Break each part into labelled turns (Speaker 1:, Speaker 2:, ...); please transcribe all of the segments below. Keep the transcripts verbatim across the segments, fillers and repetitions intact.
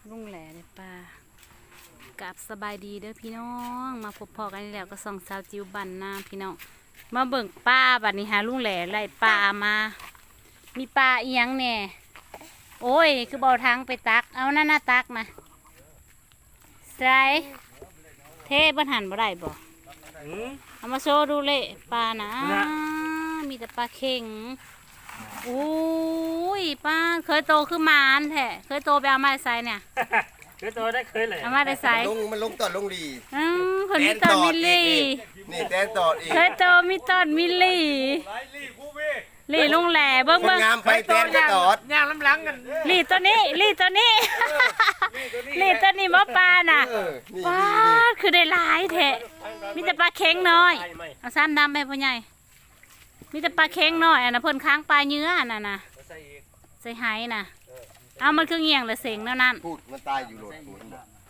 Speaker 1: ลุงแหล่ในป่ากับสบายดีเด้อพี่น้องมาพบพอกันแล้วก็ส่องสาวจิวบันนาพี่น้องมาเบิ่งป้าบัดนี้หาลุงแหล่ไล่ปลามามีปลาเอียงแน่โอ้ยคือเบาทางไปตักเอาหน้าหน้าตักนะใส่เทบันหันบ่ได้บ่เอามาโชว์ดูเลยปลานะมีแต่ปลาเข่งโอ้ยป้าเคยโตขึ้นมาอันแท้เคยโตไปเอามาได้ไซเนี่ย
Speaker 2: เคยโตได้เคยเลย
Speaker 1: เอามาได้ไซ
Speaker 3: ลงมันลงตอดลงดี
Speaker 1: อืมคนมีต้นมิลลี่
Speaker 3: นี่แตนตอดอีก
Speaker 1: เคยโตมีต้นมิลลี่ลี่ลุงแหล่เบิ้ง
Speaker 3: คน
Speaker 1: เบิ้ง
Speaker 3: งามไปแตนก็ตอด
Speaker 2: ย่างล้ำหลังกัน
Speaker 1: ลี่ตัวนี้ลี่ตัวนี้ลี่ตัวนี้บ่ปลาน่ะป้าคือได้หลายแท้มีแต่ปลาเค็งน้อยเอาซ้ำดำไปพ่อใหญ่มีแต่ปลาเค็งน้อยอ่ะนะเพิ่นค้างปลาเนื้อน่ะนะใส่ไหน่ะเอามันคือเงี่ยงเลยเสียงแล้วนั่น
Speaker 3: พูดมันตายอยู่โหลดพูด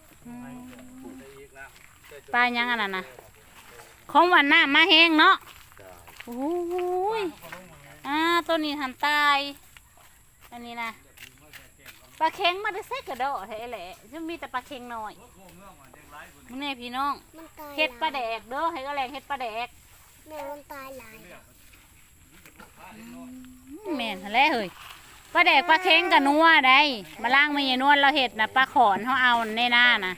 Speaker 1: ปลายังอันนั้นนะของหวานหน้ามาแห้งเนาะโอ้ยอ่าตัวนี้หันตายอันนี้นะปลาเค็งมาได้เซ็กกระโดดแท้แหละจะมีแต่ปลาเค็งน้อยมึงเนี่ยพี่น้องเฮ็ดปลาแดกเด้อให้ก็แรงเฮ็ดปลาแดก
Speaker 4: แม่มันตายหลาย
Speaker 1: แม่นทะเลเฮ้ยปลาแดกปลาเค็งกับนัวได้มาล่างมาเยนวลเราเห็ดนะปลาขอนเขาเอาในหน้านะ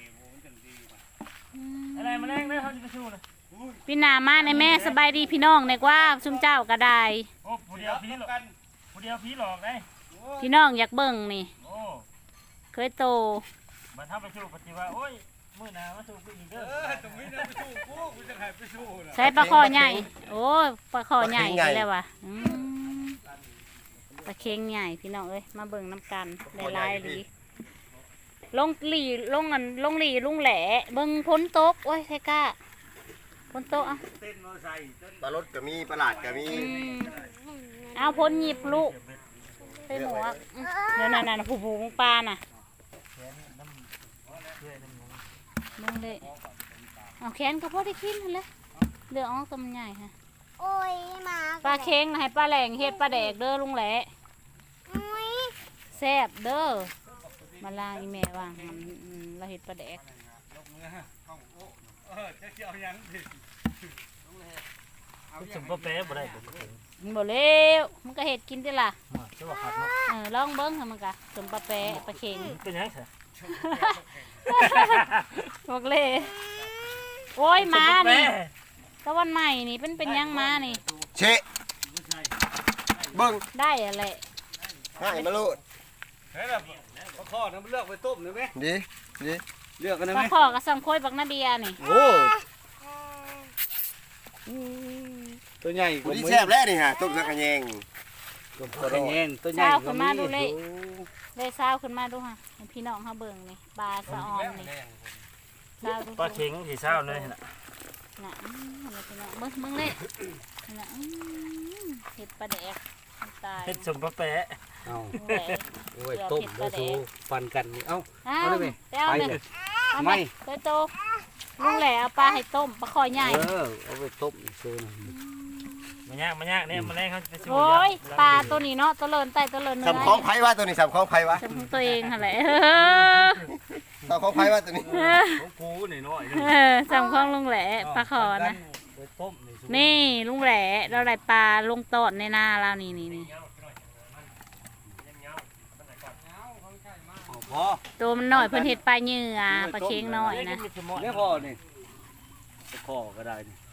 Speaker 2: อะไรมาแรงเลยเขาจะไปชูนะ
Speaker 1: พี่นามาในแม่สบายดีพี่น้องในกว่าซุ่มเจ้าก็ได้
Speaker 2: โอ้ผู้เดียวผีหลอกผู้เดียวผีหลอกได้
Speaker 1: พี่น้องอยากเบิ่งนี่เคยโต
Speaker 2: มาทำไปชูปฏิวัติโอ้ยมือหนามาชูกูอีกเด้อตรงนี้นะไปชูกูกูจะให้ไปชู
Speaker 1: ใช้ปลาคอใหญ่โอ้ปลาคอใหญ่ไปแล้ววะปลาเค็งใหญ่พี่น้องเอ้ยมาเบิ่งน้ำกันหลายๆหลีลงหลีลงอันลงหลีลุงแหล่เบิ่งพ้นโต๊ะโอ้ยไทก้าพ้นโต๊ะเอา
Speaker 3: ปลารสก็มีปลาหลาดก็มี
Speaker 1: เอาพ้นหยิบลูกใส่หมวกเดี๋ยวนั่นน่ะผู้ผู้ของปลาน่ะมึงเลยเอาแขนก็พอได้กินเลยเดือดออกตัวมันใหญ่ฮะ
Speaker 4: โอ้ยมา
Speaker 1: ปลาเค็งให้ปลาแหลงเฮ็ดปลาแดกเด้อลุงแหล่แซ่บเด้อมาล่างอีแม่ว่างเราเฮ็ดปลาแดก
Speaker 2: สมบูรณ์แป๊บบ่ได้
Speaker 1: มันบ่เร็วมันก็เฮ็ดกินได้ล่ะเออลองเบิ้งค่ะมันก็สมปลาแปะปลาเค็ง
Speaker 2: เป็นยังไง
Speaker 1: บอกเลยโอ้ยมานี่ตะวันใหม่นี่เป็นเป็นยังมานี่
Speaker 3: เชะเบิ้ง
Speaker 1: ได้อะไร
Speaker 3: ง่ายมาโลด
Speaker 2: เฮ้ยแบบปลาข้อน้ำเลือกไปต้มได้ไหม
Speaker 3: ดีดี
Speaker 2: เลือกกันได้ไห
Speaker 1: มปลาข้อกับสังโคยบักนาเบียนี่
Speaker 3: โอ้
Speaker 2: ตัวใหญ่
Speaker 3: กว่านี้แซ่บแล้วนี่ฮะต้มสักกระแยง
Speaker 2: ตัวกระแยงตัวใหญ่
Speaker 1: ขึ้นมาดูเลยเลยเศร้าขึ้นมาดูค่ะพี่น้องเขาเบิ่งนี่ปลาสะออนนี่
Speaker 2: ปลาเค็งที่เศร้าเลยน่ะ
Speaker 1: น่ะอะไรพี่น้องเบิ่งเบิ่งเลยน่ะเห็ดปลาแดกตาย
Speaker 2: เห็ดสมปลาแปะ
Speaker 5: เอาโอ้ยต้มแล้วสูฟันกันนี่เอ้าเอาได้ไหม
Speaker 1: ไปเลยไม่เคยโตลุงแหล่เอาปลาให้ต้มปลาคอใหญ่
Speaker 5: เออเอาไปต้มซื้อ
Speaker 2: มันยากมันยากเนี่ยมันแรงเขาจะ
Speaker 1: โอ้ยปลาตัวนี้เนาะตัวเลินไตตัวเลิน
Speaker 3: สำคล้องไผ่วะตัวนี้สำคล้องไผ่วะ
Speaker 1: สำของตัวเองอะไร
Speaker 3: สำคล้องไผ่วะตัวนี้
Speaker 2: ของกูนี่น้อย
Speaker 1: สำคล้องลุงแหล่ปลาคอนะนี่ลุงแหล่เราได้ปลาลงตอดในนาเรานี่นี่นี่ตัวมันหน่อยเพิ่นเห็ดปลาเหยื่อปลาเค็งน้อยนะ
Speaker 5: ไม่พอนี่พอก็ได้นี่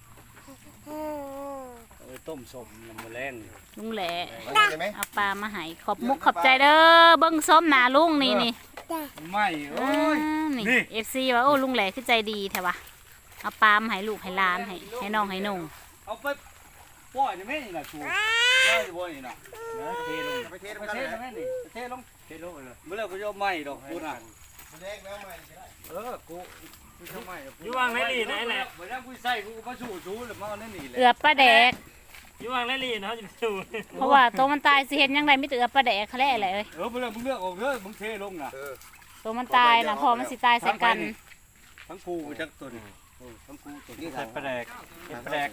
Speaker 5: เอาไปต้มสมน้ำมันแรง
Speaker 1: ลุงแหล่เอาปลามาให้ขอบมุกขอบใจเด้อเบิ้งส้มหนาลุงนี่นี่
Speaker 5: ไม่โอ้ย
Speaker 1: นี่เอฟซีว่าโอ้ลุงแหล่คือใจดีแท้วะเอาปลามาให้ลูกให้หลานให้ให้น้องให้นุ่ง
Speaker 5: เอาไปปล่อยจะไม่นี่นะชูปล่อยจะบ่นี่นะเทลงไปเทลงไปเทลงนี่เทลงเทลงเลยเมื่อไรก็จะไม่ดอกกูน่ะเออกู
Speaker 2: อยู่วางในลีนั่นแหละ
Speaker 5: เมื่อไรกูใส่กูมาชูชูหรือมาเอานั่นนี่แหละ
Speaker 1: เอือบปลาแดก
Speaker 2: อยู่วางในลีนะเขาจะชู
Speaker 1: เพราะว่าตัวมันตายสิเห็นยังไงไม่เอือบปลาแดกเขาแล่อะไรเอ้ย
Speaker 5: เออเมื่อไรมึงเลือกออกเยอะมึงเทลงนะ
Speaker 1: ตัวมันตายนะพอมันสิตายใส่กัน
Speaker 5: ทั้งกูจักตัวนี้ทั้งกูตัวนี้
Speaker 2: ใส่ปลาแดกปลาแดก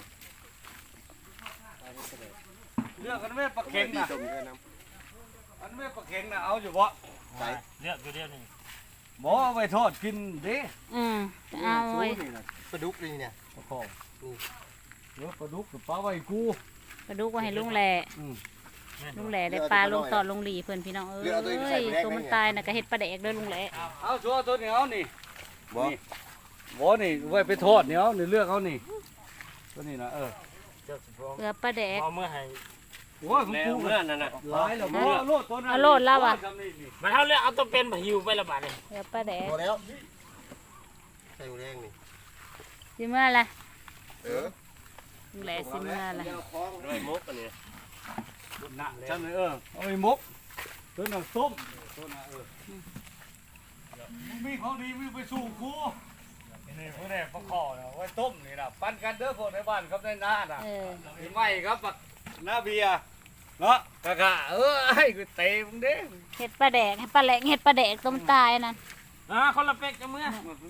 Speaker 5: เลือกกันไม่ปลาเค็งนะอันไม่ปลาเค็งนะเอาอยู่บ่
Speaker 2: เลือกอยู่เดียวนี่
Speaker 5: บ่เอาไปทอดกินเด้
Speaker 1: อืมเอาไว้
Speaker 3: ปลาดุกนี่เนี่ย
Speaker 5: ปลาคอนี่เดี๋ยวปลาดุกกับปลาไว้กู
Speaker 1: กระดูกไว้ให้ลุงแหล่
Speaker 5: อืม
Speaker 1: ลุงแหล่ได้ปลาลงตอดลงหลีเพิ่นพี่น้องเอ้ยตัวมันตายน่ะก็เฮ็ดปลาแดกเด้อลุงแหล่
Speaker 5: เอาชัวตัวนี้เอานี่
Speaker 3: บ่
Speaker 5: นี่บ่นี่ไว้ไปทอดนี่เอานี่เลือกเอานี่ตัวนี้นะเออ
Speaker 2: เจ้าสิบ
Speaker 1: เกลือปลาแดก
Speaker 2: เอาเมื่อให้
Speaker 5: โอ้ยของ
Speaker 2: แล้ว
Speaker 5: กู
Speaker 2: เมื่อนั่นน่ะ
Speaker 5: หลายแล้วบ่โลดตัวนั้น
Speaker 1: เอาโลดแล้วอะ
Speaker 2: มันเท่าเรื่องเอาตัวเป็นมาหิวไปละบาทเลย
Speaker 1: เกลือปลาแดก
Speaker 3: พอแล้วใส่หมูแดงนี่
Speaker 1: สิเมื่อไร
Speaker 3: เออ
Speaker 1: ลุงแหล่สิเมื่อไร
Speaker 2: ด้วยมุกอันนี้
Speaker 5: น่ะจำเลยเออเอาไปมกตัวนั้นส้มตัวนั้นเออมึงมีของดีมึงไปสู่กูนี่พวกนี้ปลาคอเนาะไว้ต้มนี่นะปั้นกันเด้อพวกในบ้านครับในนาน่ะ
Speaker 1: เออ
Speaker 5: มีไหมครับปักหน้าเบียร์เนาะกะกะเออไอ้กูเตะมึงเด้
Speaker 1: เฮ็ดปลาแดกให้ปลาแหลงเฮ็ดปลาแดกต้มตายนั่น
Speaker 2: อ่าคนละเป็กจะเมื่อ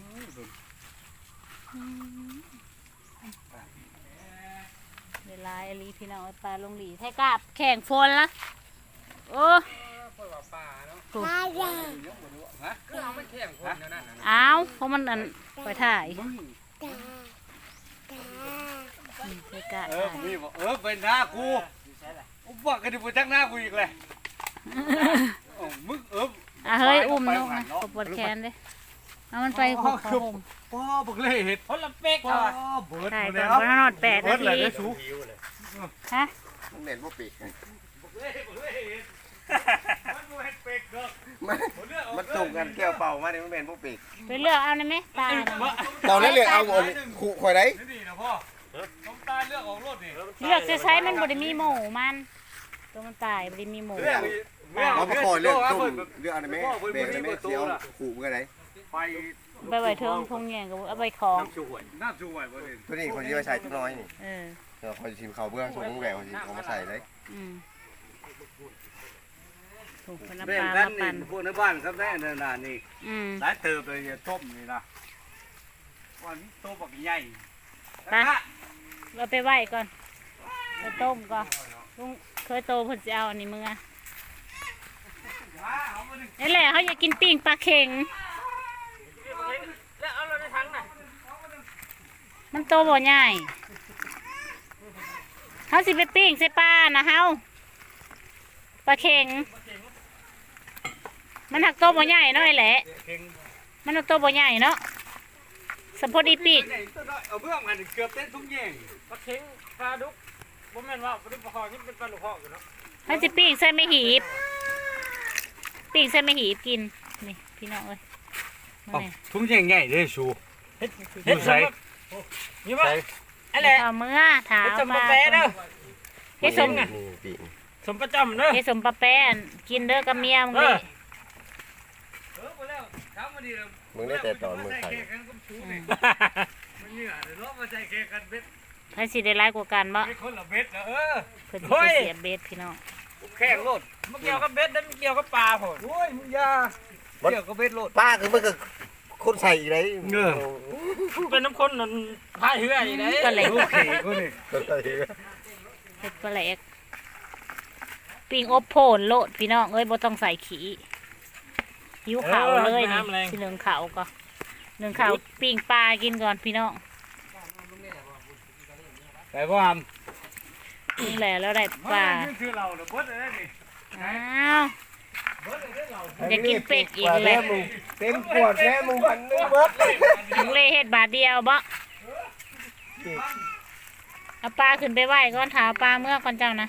Speaker 1: เวลาอลีพี่น้องเอาปลาลงหลีให้กาบแข่งฝนละโอ้
Speaker 4: ปลาใหญ่
Speaker 5: ฮะคือเอาไม่แข่งคนนั่นน่ะ
Speaker 1: อ้าวเพราะมันอันไปถ่าย
Speaker 4: ตาตา
Speaker 1: ให้กาบ
Speaker 5: เออมีบอกเออเป็นหน้ากูอุบักกันดิบจักหน้ากูอีกเลยโอ้มึงเออ
Speaker 1: อ่ะเฮ้ยอุ้มนกนะกดปวดแขนเลยเอามันไปขบขบ
Speaker 5: ป้อบักเล่เห็ด
Speaker 2: คนละเป็ก
Speaker 5: ป้อ
Speaker 2: เอา
Speaker 5: เบิร์ด
Speaker 1: ถ่าย
Speaker 5: เล
Speaker 1: ก่อย นเพราะนอนแปด
Speaker 5: เบิ
Speaker 1: นา
Speaker 5: ร์ดเลย
Speaker 1: ที
Speaker 5: ได้สู
Speaker 1: ฮะ
Speaker 3: มันเหม็นบ่ปีก
Speaker 5: บักเล่บักเล่เห็ดมันบ่เห็ดเป็กเด้อ
Speaker 3: มันมันส่งกันแก้วเป่ามาเนี่ยมันเหม็นบ่ปีก
Speaker 1: ไปเลือกเอาได้ไหมปลาน่ะ
Speaker 3: ตอนนั้นเลยเอาอันขู่ข่อยได้
Speaker 5: นี่นะพ่อต้องตาเลือกของรถนี่
Speaker 1: เลือกจะใช้มันบริมีหมูมันตัวมันตายบริมีหมู
Speaker 5: เรื่อง
Speaker 3: เอามาขอเรื่องต้มเรื่องอะไรไหมเบรกอะไรไหมเสียวขู่เมื่อไหร่
Speaker 5: ไป
Speaker 1: ไปไว้เทิงทงแยงกับเอาไปของ
Speaker 5: น้ำช่วยน้ำช่วยบ่ได้
Speaker 3: ตัวนี้คนที่มาใส่ตัวน้อยนี่
Speaker 1: เออ
Speaker 3: เดี๋ยวคอยชิมเขาเบื้องส่งแหววสิเอามาใส่เลย
Speaker 1: อืมถูกคนละ
Speaker 5: แบ่
Speaker 1: ป
Speaker 5: ง
Speaker 1: ลา
Speaker 5: กัน
Speaker 1: มา
Speaker 5: นี่
Speaker 1: ปั่น
Speaker 5: พวกในบ้านครับแน่นน่ะนี่
Speaker 1: อืม
Speaker 5: หลายเติบเลยอย่าต้มนี่นะวันนี้โตบักใหญ่
Speaker 1: ไปเราไปไหว้ก่อนไปต้มก่อนลุงเคยโตเพิ่นสิเอาอันนี้มึงอ่ะนี่แหละเขาอยากกินปิ้งปลาเข็ง
Speaker 2: แล้วเอาเราในถังน่ะ
Speaker 1: มันโตบ่ใหญ่เขาสิไปปิ้งใส่ปลานะเฮาปลาเข็ง มันหักโตบ่ใหญ่เนาะไอ้แหละ
Speaker 5: เก่ง
Speaker 1: มันหักโตบ่ใหญ่เนาะสมพอดีปีก
Speaker 5: เอาเบื้องอันเกือบเต้นทุกแย่ง
Speaker 2: ปลาเค็งปลาดุกบ่แม่นว่าปลาดุกปลาคอนี่เป็นปลาลูกคออยู่เนาะ
Speaker 1: เขาสิปิ้งใส่ไม่หีบปิ้งใส่ไม่หีบกินนี่พี่น้องเอ้ยมาเนี่ย
Speaker 5: ทุกแย่งใหญ่เลยชู
Speaker 2: เฮ็ดใส่นี่ว่าอะไร
Speaker 1: เอาเมื่อถาม
Speaker 2: เฮ็ดสม
Speaker 1: มา
Speaker 2: ปะแปะเด้อ
Speaker 1: เฮ็ดสม
Speaker 3: นี่ปีก
Speaker 2: สมประจำเด้อ
Speaker 1: เฮ็ดสมปลาแป้นกินเด้อกับเมียมึงเลย
Speaker 5: เออไปแล้วถามมาดีเลย
Speaker 3: มึงได้แต่ตอนมึงไข่
Speaker 5: มันเหนื่อยเลยเนาะมาใส่แข่งกันเบ็ด
Speaker 1: ใครสิได้ร้ายกว่ากันบ่
Speaker 5: ไม่คนละเบ็ดนะเออ
Speaker 1: เพิ่นสิไปเสียเบ็ดพี่น้อง
Speaker 5: แข่งโลด
Speaker 2: มันเกี่ยวกับเบ็ดแล้วมันเกี่ยวกับปลาโหด
Speaker 5: โอ้ยมึงยาเกี่ยวกับเบ็ดโลด
Speaker 3: ป้าคือมันก็คนใส่อีกเลย
Speaker 5: เงือ
Speaker 2: เป็นน้ำข้นนั่นพายเรืออยู่ไหน
Speaker 1: ปลาแหลก
Speaker 5: โอเคกูนี่
Speaker 1: เฮ็ดปลาแหลกปิ้งอบโผนโลดพี่น้องเอ้ยบ่ต้องใส่ขี้หิวข้าวเลยนี่สิเหลืองข้าวก็เหลืองข้าวปิ้งปลากินก่อนพี่น้อง
Speaker 5: แต่ว่าท
Speaker 1: นี่แหละแล้วได้
Speaker 5: ำ
Speaker 1: ปลา
Speaker 5: คือเราเดี๋ยวเบิดเลยนี่
Speaker 1: อ้าวอยากกินเป็ดอีกเลย
Speaker 3: เต็มขวดแม่มึงพันนึงเบิดเลย
Speaker 1: ลุงเล่เฮ็ดบาทเดียวบ่เอาปลาขึ้นไปไหว้ก่อนถาปลาเมื่อก่อนเจ้านะ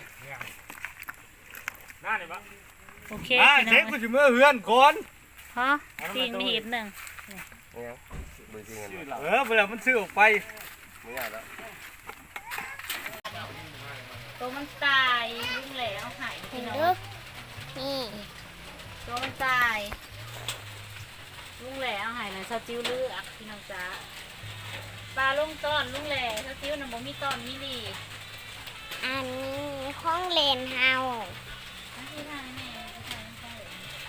Speaker 2: น่านี่ปะ
Speaker 1: โอเค
Speaker 5: อ่า
Speaker 1: พี่น้
Speaker 5: เช็
Speaker 1: อ
Speaker 5: ค
Speaker 1: ง
Speaker 5: กูจะเมื่อเฮือนก่อน
Speaker 1: ฮะปิ้งไม่หีบหนึ่ง
Speaker 3: เนี่ยมือจริงกัน
Speaker 5: เออเวลามันซื้อออกไป
Speaker 3: ไม่ได้แล้ว
Speaker 1: ตัวมันตายลุงแหล่เอาหายพี่น้อง
Speaker 4: ดึกนี่
Speaker 1: ตัวมันตายลุงแหล่เอาหายนะซาจิ้วเลือกพี่น้องจ้าปลาลงต้อนลุงแหล่ซาจิ้วน่ะบ่มีต้อนมีหลี
Speaker 4: อันนี้ห้องเล่นเฮา
Speaker 1: อันที่ทางแม่ที่ทางใช่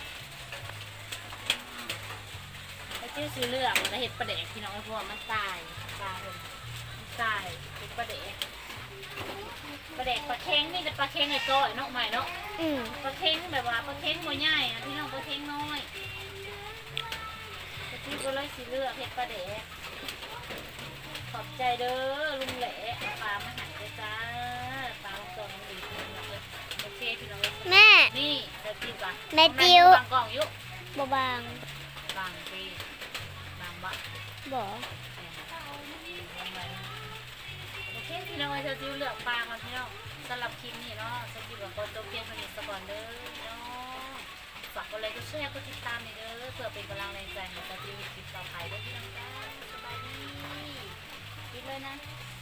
Speaker 1: ซาจิ้วซื้อเลือกแล้วเห็ดปลาแดกพี่น้องเพราะว่ามันตายปลาเพิ่นมันตายเป็นปลาแดกปลาแดกปลาเค็งนี่แต่ปลาเค็งไอ้ก้อยเนาะใหม่เนาะ
Speaker 4: อืม
Speaker 1: ปลาเค็งแบบว่าปลาเค็งบ่ใหญ่อะพี่น้องปลาเค็งน้อยสิเลือกเฮ็ดปลาเดะขอบใจเด้อลุงแหล่ปลามาหันเลยจ้าปลาลงตัวน้องดีพี่น้องเลยโอเคพี่น้องเลย
Speaker 4: แม่
Speaker 1: นี่เดี๋ยวจิ้มก่อน
Speaker 4: แม่จิ้ว
Speaker 1: บางกล่องอยุ
Speaker 4: บ่บาง
Speaker 1: บางปีบางบะ
Speaker 4: บ่
Speaker 1: โอเคพี่น้องเดี๋ยวจิ้วเลือกปลามาพี่น้องสำหรับคลิปนี้เนาะจะจิ้วกับโปรโตเกียวผลิตสกอนเด้อพี่น้องฝากกดไลค์กดแชร์กดติดตามนี่เด้อเพื่อเป็นกำลังแรงใจให้กับจิ้วคลิปต่อไปด้วยพี่น้องจ้าสบายดีกินเลยนะ